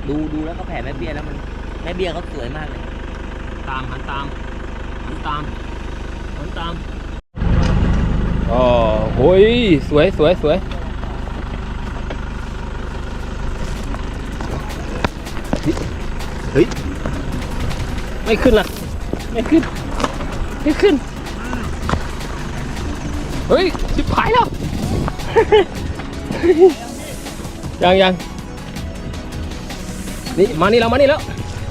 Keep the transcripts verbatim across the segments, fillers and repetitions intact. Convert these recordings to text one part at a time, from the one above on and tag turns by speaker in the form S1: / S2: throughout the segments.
S1: ดูดูแล้วก็แผ่แม่เบี้ยแล้วมันแม่เบี้ยเขาสวยมากเลย
S2: ตามหันตามหันตามหันตามอ๋อโอ้ยสวยสวยสวยเฮ้ยไม่ขึ้นล่ะไม่ขึ้นไม่ขึ้นเฮ้ยชิบหายแล้วยังยังนี่มานี่แล้วมานี่แล้ว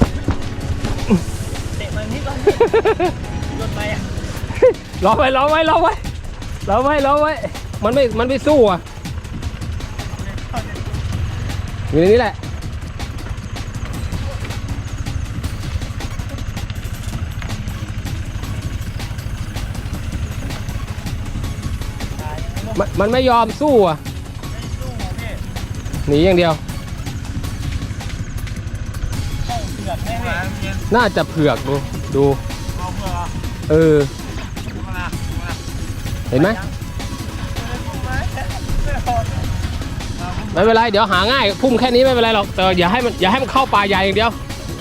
S1: เตะมันนี่ก่อนโดนไปอ่ะ
S2: รอไว้รอไว้รอไว้รอไว้รอไว้มันไม่มันไม่สู้อ่ะอยู่ในนี้แหละมันมันไม่ยอมสู้อ่ะหนีอย่างเดียวน่าจะเผือกดูดูเออเห็นไหมไม่เป็นไรเดี๋ยวหาง่ายพุ่มแค่นี้ไม่เป็นไรหรอกแต่อย่าให้มันอย่าให้มันเข้าป่าใหญ่อย่างเดียว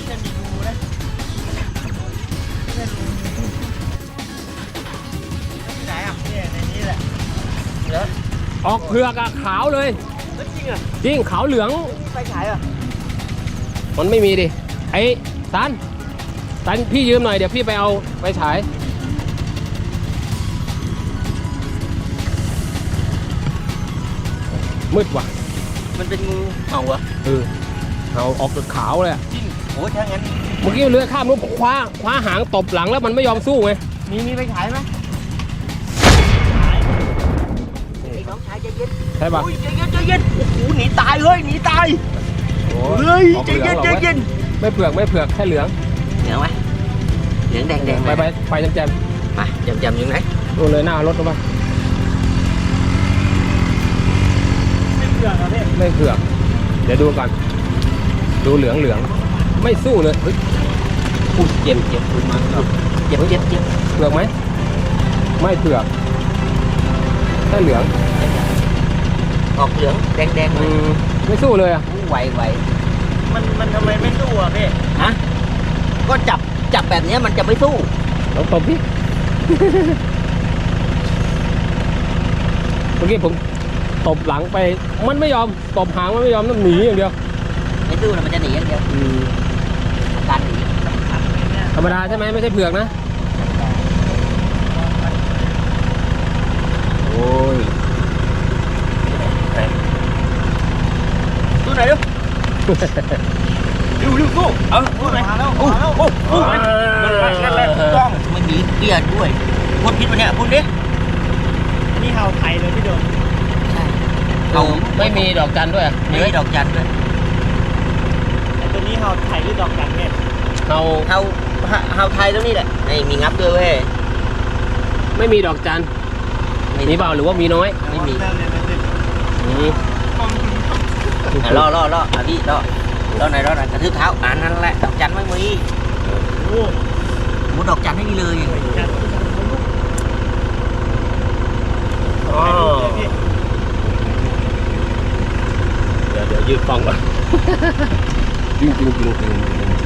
S2: ออกเผือกอะขาวเลยจริงอะจริงขาวเหลือง
S1: ไปฉายอ่ะ
S2: มันไม่มีดิไอ้ตันตันพี่ยืมหน่อยเดี๋ยวพี่ไปเอาไปฉายมืดว่ะ
S1: มันเป็นงูเห่าเหรอ
S2: เออเห่าออกจากขาวเลย
S1: จริงโอ้ยถ้างั้น
S2: เมื่อกี้เลื้อยข้ามนู้นคว้าคว้าหางตบหลังแล้วมันไม่ยอมสู้ไง
S1: มีมีไปฉายไหมน้องชายใจเย็น
S2: ใช่ป่ะ
S1: ใจเย็นใจเย็นโอ้โหหนีตายเฮ้ยหนีตายเฮ้ยใจเย็นใจเย็น
S2: ไม่เผือกไม่เผือกแค่เหลือง
S1: เหลืองไหมเหลืองแดงแดง
S2: ไปไปไปจำแจม
S1: ไปจำแจมอยู่ไหน
S2: ดูเลยหน้ารถรู้ป่ะ
S1: ไม่เผือกครับพี่
S2: ไม่เผือกเดี๋ยวดูก่อนดูเหลืองเหลืองไม่สู้เลยเฮ้ยพูดเจ็บเจ็บพูดมา
S1: เจ็บเจ็บเจ็บ
S2: เผือกไหมไม่เผือกแค่เหลือง
S1: ออกเหลืองแดงแดงเลย
S2: ไม่สู้เลยอ่ะ
S1: ไหวไหวมันมันทำไมไม่สู้อ่ะพี่ฮะก็จับจับแบบนี้มันจะไม่สู้
S2: ลองตบพี่เมื่อกี้ผมตบหลังไปมันไม่ยอมตบหางมันไม่ยอมต้องหนีอย่างเดียว
S1: ไม่สู้แล้วมันจะหนีอย่างเดียวการหนี
S2: ธรรมดาใช่ไหมไม่ใช่เผือกนะโอ้ย
S1: สู้ไหนดูดูดูสู้เออสู้ไหนโอ้โหโอ้โหนั่นแหละถูกต้องมันมีเบี้ยด้วยพูดพิษวันนี้พูดดิ
S3: นี่เห่าไทยเลยพี่โดน
S1: ใช่
S2: เราไม่มีดอกจันด้วย
S1: ไม่มีดอกจันด้วย
S3: แต่ตัวนี้เห่าไทยหรือดอกจันเนี่ย
S2: เห่า
S1: เห่าเห่าไทยตรงนี้แหละไอ้มีงับด้วยเว้ย
S2: ไม่มีดอกจันมีเปล่าหรือว่ามีน้อย
S1: ไม่มีล่อล่อล่ออ่ะพี่ล่อล่อไหนล่อไหนกระทืบเท้าอ่านนั่นแหละดอกจันไม่มีโอ้โหดอกจันไม่มีเลย
S2: เดี๋ยวเดี๋ยวยืดฟองก่อนจริงจริงจริงจริง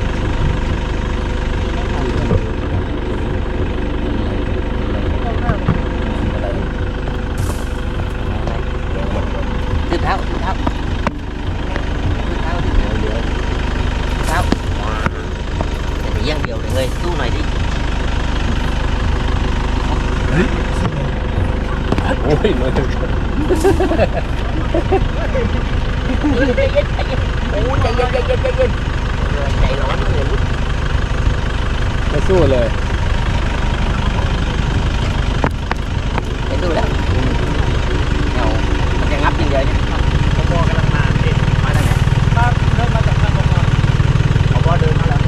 S1: ทืบเท้าทืบเท้าทืบเท้าเดี๋ยวเดี๋ยวเท้าจะหนีอย่างเดียวเลยสู้หน่อยดิ
S2: โอ้ยเลย
S1: ใจเย็นใจเย็นโอ้ใจเย็นใจเย็นใจเย็นใจร้อนเลย
S2: ไม่สู้เลย
S1: ไม่สู้แล้วเงามันจะงับอย่างเดียวเนี่ย
S3: ขบกำลังมาพี่
S1: มาจากไหน
S3: มาเริ่มมาจากข้างบน
S1: ขบเดินมาแล้ว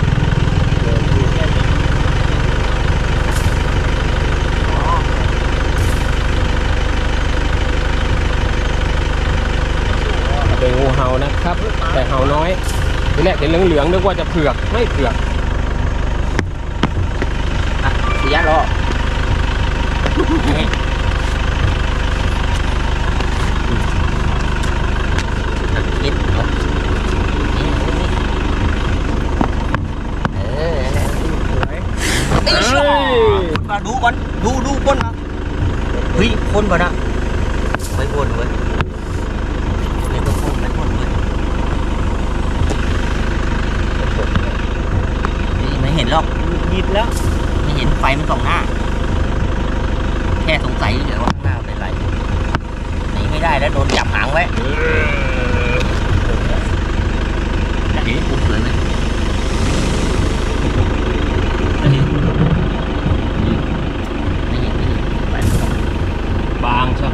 S2: เป็นงูเห่านะครับแต่เห่าน้อยทีแรกเห็นเหลืองๆนึกว่าจะเผือกไม่เผือก
S1: เสียรอคิดละดูก่อนดูดูคนนะเฮ้ยคนป่ะนะไม่คนเว้ยไม่ต้องคนไม่คนเว้ยนี่ไม่เห็นหรอก
S3: ยิดแล้ว
S1: ไม่เห็นไฟมันส่องหน้า แค่สงสัยเฉยๆว่าข้างหน้าเป็นไรหนีไม่ได้แล้วโดนจับหางไว้จะเห็นปุ๊บเลยไหมไม่เห็นไม่เห็นไม่เห็นไฟมันส่อง
S2: บางใช่ไหม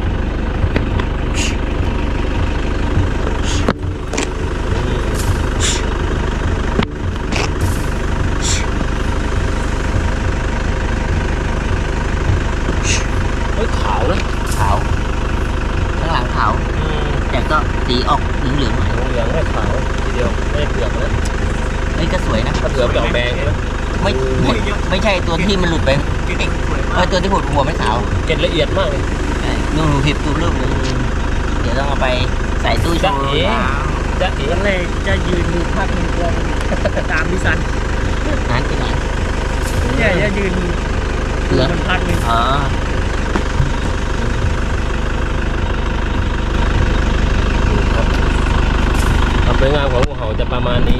S2: เฮ้ยขาวนะ
S1: ขาวข้างหลังขาวแต่ก็สีออกเหลืองๆหน่อย
S2: เหลืองไม่ขาวทีเดียวไม่ได้เปลือกนะ
S1: เฮ้ยก็สวยนะ
S2: ถ้าเปลือกจะออกแดงใช่ไหม
S1: ไม่ไม่ไม่ใช่ตัวที่มันหลุดไปเออตัวที่ผุดหัวไม่ขาว
S2: เกล็ดละเอียดมากเลย
S1: ดูผิดตัวรูปเลยเดี๋ยวต้องเอาไปใส่ตู้โชว์
S2: จะเอ๋ จะเอ๋
S3: ก็เลยจะยืนดูภาพมันก่อนตามพี่สัน
S1: นั้นที่ไหน
S3: เนี่ยจะยืนดูมันพักหนึ่ง
S1: อ๋อ
S2: ความสวยงามของงูเห่าจะประมาณนี้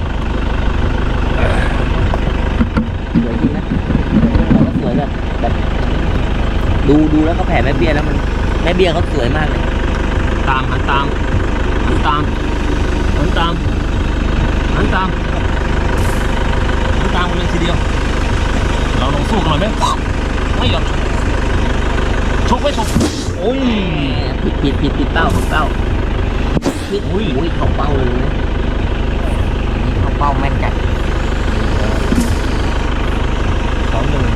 S1: สวยจริงนะสวยแบบแบบดูดูแล้วก็แผ่แม่เบี้ยแล้วมันแม่เบี้ยเขาสวยมากเลย
S2: ตามหันตามหันตามหันตามหันตามหันตามกันเลยทีเดียว เราลองสู้กันหน่อยไหมไม่ยอมชกไม่ชกโอ้ย
S1: ผิดผิดผิดผิดเป้าผิดเป้าผิด
S2: อุ้ย
S1: อุ้ยเข้าเป้าเลยนะนี่เข้าเป้าแม่นจัด
S2: สองหนึ่ง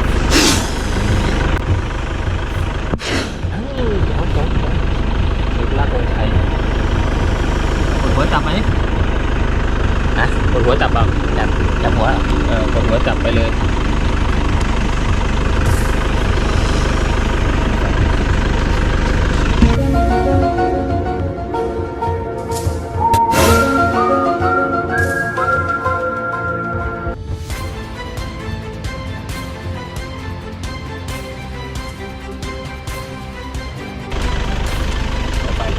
S2: สุดลากองไทยกดหัวจับไหม
S1: นะ
S2: กดหัวจับเปล่า
S1: จับจับหัวเหรอ
S2: เออกดหัวจับไปเลยไป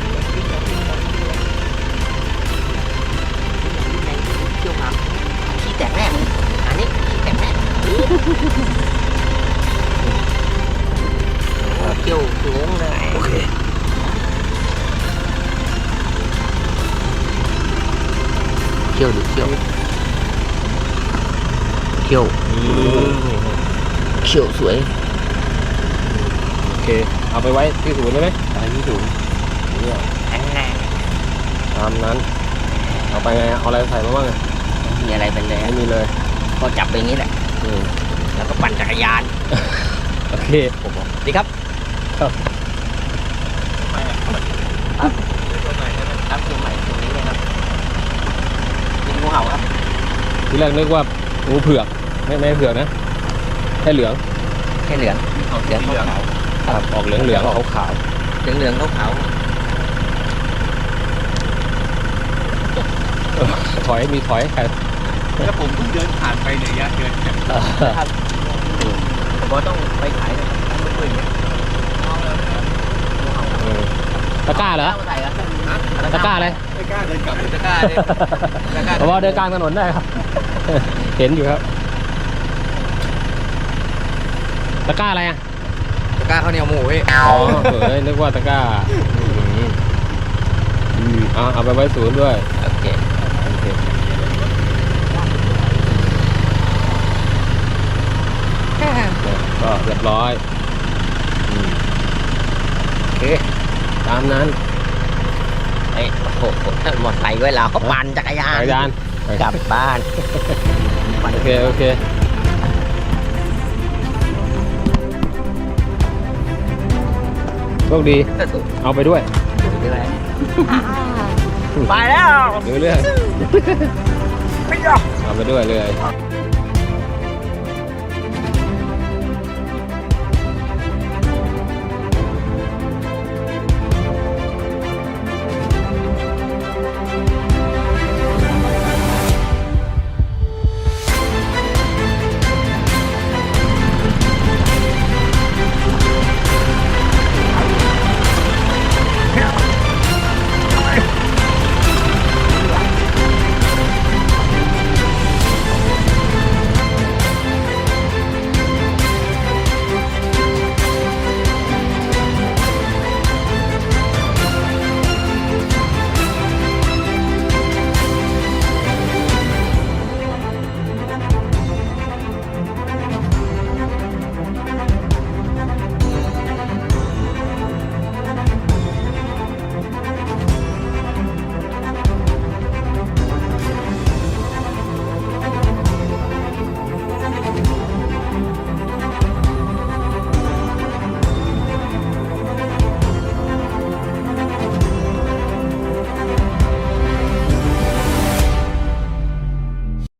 S1: เกี่ยวกับขี้แตกแน่มึงอันนี้ขี้แตกแน่เกี่ยวงงเลย
S2: โอเค
S1: เกี่ยวดิเกี่ยวเกี่ยวเกี่ยวสวย
S2: โอเค เอาไปไว้ที่ศูนย์ได้ไหม
S1: อะไรที่สูง
S2: เนี่ย
S1: อันแน่
S2: ตามนั้น เอาไปไง เอาอะไรใส่มาบ้างอะ
S1: มีอะไรเป็นเลย
S2: ไม่มีเลย
S1: ก็จับไปอย่างนี้แหละ
S2: อืม
S1: แล้วก็ปั่นจักรยาน
S2: โอเค
S1: ดีครับ
S2: ครับ
S1: ครับตัวใหม่ใช่ไหมครับตัวใหม่ตรงนี้เลยครับเป็นงูเห่าครับ
S2: ทีแรกนึกว่างูเผือก ไม่ไม่เผือกนะ แค่เหลือง
S1: แค่เหลืองเหลืองขาว
S2: ครับออกเหลืองเหลืองขาวขาว
S1: เหลืองเหลืองขาว
S2: ถอยมีถอยใคร
S3: แล้วผมเพิ่งเดินผ่านไปเนี่ยยะเดิน
S1: ครับผมว่าต้องไปขายเลยต้องไปคุยอย่างเงี้ยเอาเลยงูเห่า
S2: เออตะกร้าเหรอ
S1: เอาใส่ครับ
S2: ตะกร้าอะไร
S3: ไม่กล้าเดินกลับเลย
S1: ตะกร้าเลยตะกร้า
S2: เพราะว่าเดินกลางถนนได้ครับ เห็นอยู่ครับ ตะกร้าอะไรอ่ะ
S3: ตะกร้าข้าวเหนียวหมูพี่
S2: อ๋อเผยนึกว่าตะกร้าอืมอืมเอาเอาไปไว้ศูนย์ด้วย
S1: โอเค
S2: โอเคก็เรียบร้อยอืมโอเค ตามนั้น
S1: ไอ้โอ้โหหมดไซค์ไว้แล้วเขาปั่นจักรยาน
S2: จักรยาน
S1: กลับบ้าน
S2: โอเค โอเค โชคดี เอาไปด้วย
S1: ไปแล้ว
S2: ดูเรื่องเอาไปด้วยเลย